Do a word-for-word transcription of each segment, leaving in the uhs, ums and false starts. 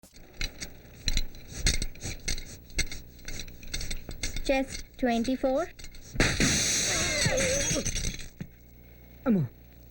Chest twenty four. అమ్మో.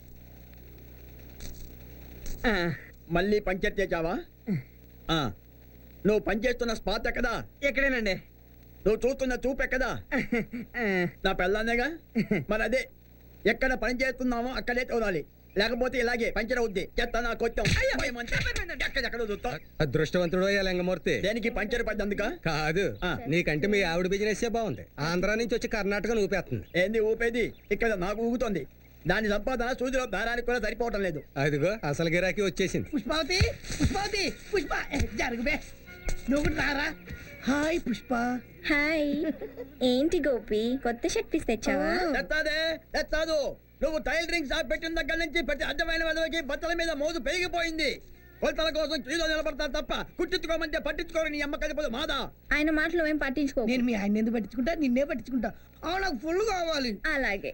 మళ్ళీ puncture చేసావా? నువ్వు పనిచేస్తున్న స్పాట్ ఎక్కదా? ఎక్కడేనండి. నువ్వు చూస్తున్న చూపు ఎక్కదా? నా పెళ్ళానేగా. మరి అదే ఎక్కడ పని చేస్తున్నామో అక్కడే చూడాలి, లేకపోతే ఇలాగే పంచర్ అవుద్ది. చెత్త నా కొత్తం ఎక్కడెక్కడ చూస్తావు? అదృష్టవంతుడు లింగమూర్తి. దేనికి పంచర్ పడ్డందుక కాదు, నీకంటే మీ ఆవిడ బిజినెస్ బాగుంది. ఆంధ్రా నుంచి వచ్చి కర్ణాటక ఊపేస్తుంది. ఏంది ఊపేది? ఇక్కడ నాకు ఊగుతోంది. దాని సంపాదన సూదిలో దారానికి కూడా సరిపోవటం లేదు. అదిగో అసలు గిరాకీ వచ్చేసింది. పుష్పావతి, పుష్పావతి, పుష్ప జరుగుబే. నువ్వు రారా. హాయ్ పుష్ప. హాయ్. ఏంటి గోపి, కొత్త షర్ట్ పీస్ తెచ్చావా? తెస్తాదే తెస్తాదు. నువ్వు టైలరింగ్ షాప్ పెట్టిన దగ్గర నుంచి ప్రతి అడ్డమైన వాళ్ళకి బట్టల మీద మోజు పెరిగిపోయింది. కొలతల కోసం క్యూలో నిలబడతారు తప్ప కుట్టించుకోమంటే పట్టించుకోరు. నీ అమ్మ కలిపోదు మాదా. ఆయన మాటలు ఏం పట్టించుకో. నేను మీ ఆయన ఎందుకు పట్టించుకుంటా, నిన్నే పట్టించుకుంటా. ఆ నాకు ఫుల్ కావాలి. అలాగే.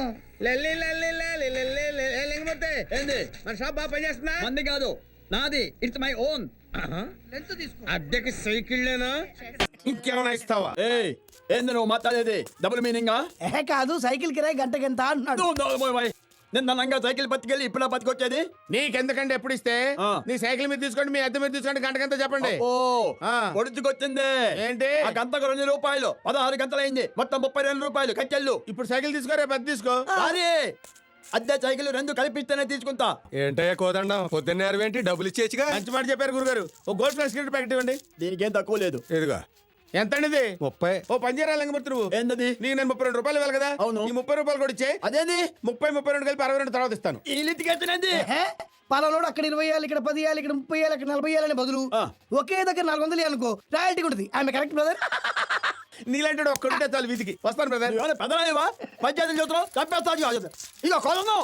ఏంది మన షాప్ బాగా పనిచేస్తుందా? మంది కాదు, నాది. It's my own. అద్దెకి సైకిళ్ళేనా? ఇంకేమైనా ఇస్తావా? ఏయ్, ఏంది నువ్వు మాట్లాడేది? డబుల్ మీనింగా? ఏ కాదు, సైకిల్ కిరాయి గంటకెంత అన్నాడు. నిన్న నంగా సైకిల్ పట్టుకెళ్ళి ఇప్పుడు పట్టుకొచ్చేది నీకెందుకంటే ఎప్పుడు ఇస్తే ఆ. నీ సైకిల్ మీద తీసుకోండి, మీ అద్దె మీద తీసుకోండి, గంటకంతా చెప్పండి. ఓ ఆ. పొడుచుకొచ్చింది. ఏంటి? ఆ గంటకు రెండు రూపాయలు, పదహారు గంటలైంది. మొత్తం ముప్పై రెండు రూపాయలు కట్టెళ్ళు. ఇప్పుడు సైకిల్ తీసుకో, రేపు అద్దె తీసుకో. అదే అద్దె సైకిల్ రెండు కల్పిస్తేనే తీసుకుంటా. ఏంటయ్యా కోదండం, పొద్దున్నే ఏంటి? డబ్బులు ఇచ్చేచ్చుగా. మంచి మాట చెప్పారు గురుగారు. ఓ గోల్డ్ ప్లస్ సిగరెట్ ప్యాకెట్ ఇవ్వండి. దీనికి ఏం తక్కువ లేదు. ఇదిగో. ఎంత అండి ఇది? ముప్పై. ఓ పంజారా లింగమూర్తి నువ్వు ఏంటది? నీకు నేను ముప్పై రెండు రూపాయలు ఇవ్వాలి కదా. అవును. ఈ ముప్పై రూపాయలు కూడా ఇచ్చే. అదేంది? ముప్పై ముప్పై రెండు కలిపి అరవై రెండు తర్వాత ఇస్తాను. ఈ లితికెత్తినది. పలానోడు అక్కడ ఇరవై ఏళ్ళు, ఇక్కడ పది ఏళ్ళు, ఇక్కడ ముప్పై ఏళ్ళు, ఇక్కడ నలభై ఏళ్ళని బదులు ఆ. ఒకే దగ్గర నాలుగు వందలు అనుకో, రాయల్టీ ఉంటుంది. ఆమె కరెక్ట్ బ్రదర్. నీలాంటి ఒక్కడుంటే చాలు వీధికి. వస్తాను బ్రదర్. పెద్దలేవా పంచాయతీ చూస్తున్నావు? చంపేస్తా. ఇక కొలను